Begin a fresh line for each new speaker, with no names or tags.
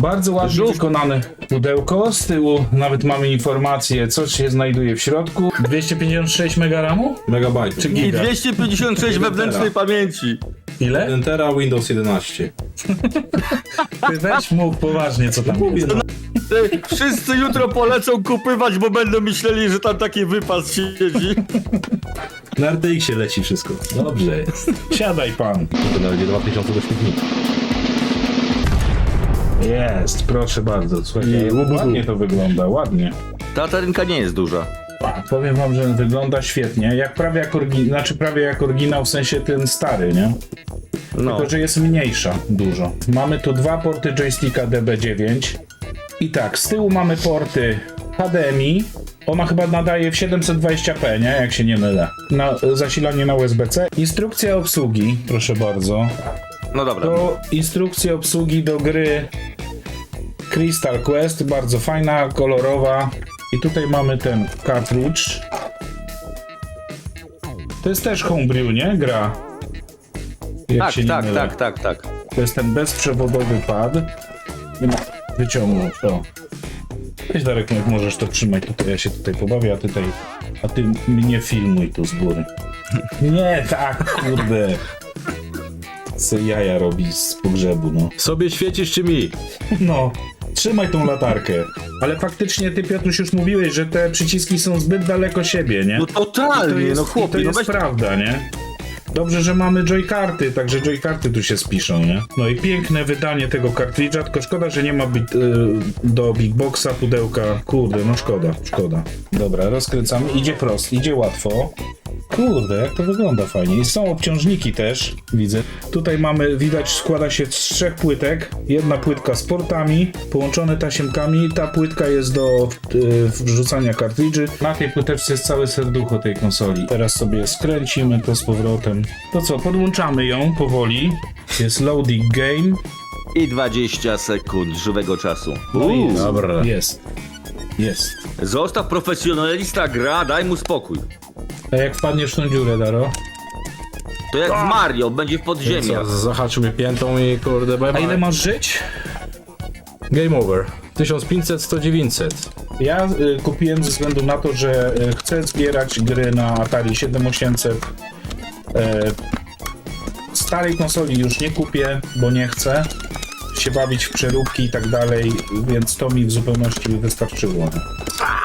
Bardzo ładnie wykonane pudełko. Z tyłu nawet mamy informację, co się znajduje w środku. 256 megaramu?
Megabajtów.
Czy
I
giga?
256 wewnętrznej pamięci.
Ile?
1 tera, Windows 11.
Ty weź mów poważnie, co tam jest.
Wszyscy jutro polecą kupywać, bo będą myśleli, że tam taki wypas siedzi.
Na RTX-ie leci wszystko.
Dobrze jest. Siadaj pan.
To będzie 2000 do śmietnika.
Jest, proszę bardzo. Słuchajcie, ładnie to wygląda, ładnie.
Ta tarynka nie jest duża.
Powiem wam, że wygląda świetnie, jak prawie jak prawie jak oryginał, w sensie ten stary, nie?
No.
Tylko, że jest mniejsza dużo. Mamy tu dwa porty joysticka DB9 i tak, z tyłu mamy porty HDMI. Ona chyba nadaje w 720p, nie? Jak się nie mylę. Na zasilanie na USB-C. Instrukcja obsługi, proszę bardzo.
No dobra.
To instrukcja obsługi do gry Crystal Quest, bardzo fajna, kolorowa. I tutaj mamy ten cartridge. To jest też homebrew, nie? Gra. Jak
Tak,
się nie
tak,
mylę.
tak.
To jest ten bezprzewodowy pad. Wyciągnąć to. Weź Darek, jak możesz to trzymać tutaj, ja się tutaj pobawię, a ty mnie filmuj tu z góry. Nie, tak, kurde. Co jaja robi z pogrzebu, no.
Sobie świecisz czy mi?
No, trzymaj tą latarkę. Ale faktycznie ty, Piotruś, już mówiłeś, że te przyciski są zbyt daleko siebie, nie?
No totalnie, no
to
chłopie, no
jest
weź...
prawda, nie? Dobrze, że mamy joykarty, także joykarty tu się spiszą, nie? No i piękne wydanie tego kartridża, tylko szkoda, że nie ma do Big Boxa pudełka. Kurde, no szkoda. Dobra, rozkręcamy. Idzie prosto, idzie łatwo. Kurde, jak to wygląda fajnie. I są obciążniki też, widzę. Tutaj mamy, widać, składa się z 3 płytek. Jedna płytka z portami, połączone tasiemkami. Ta płytka jest do wrzucania kartridży. Na tej płyteczce jest całe serducho tej konsoli. Teraz sobie skręcimy to z powrotem. To co, podłączamy ją powoli. Jest loading game.
I 20 sekund żywego czasu.
No i jest.
Dobra.
Jest.
Zostaw profesjonalista gra, daj mu spokój.
A jak wpadniesz w tą dziurę, Daro?
To jak w Mario, będzie w podziemiach.
Zahaczy mnie piętą i kurde, bye
A
bye.
ile masz żyć?
Game over. 1500, 100, 900.
Ja kupiłem ze względu na to, że chcę zbierać gry na Atari 7800. Starej konsoli już nie kupię, bo nie chcę się bawić w przeróbki i tak dalej, więc to mi w zupełności wystarczyło.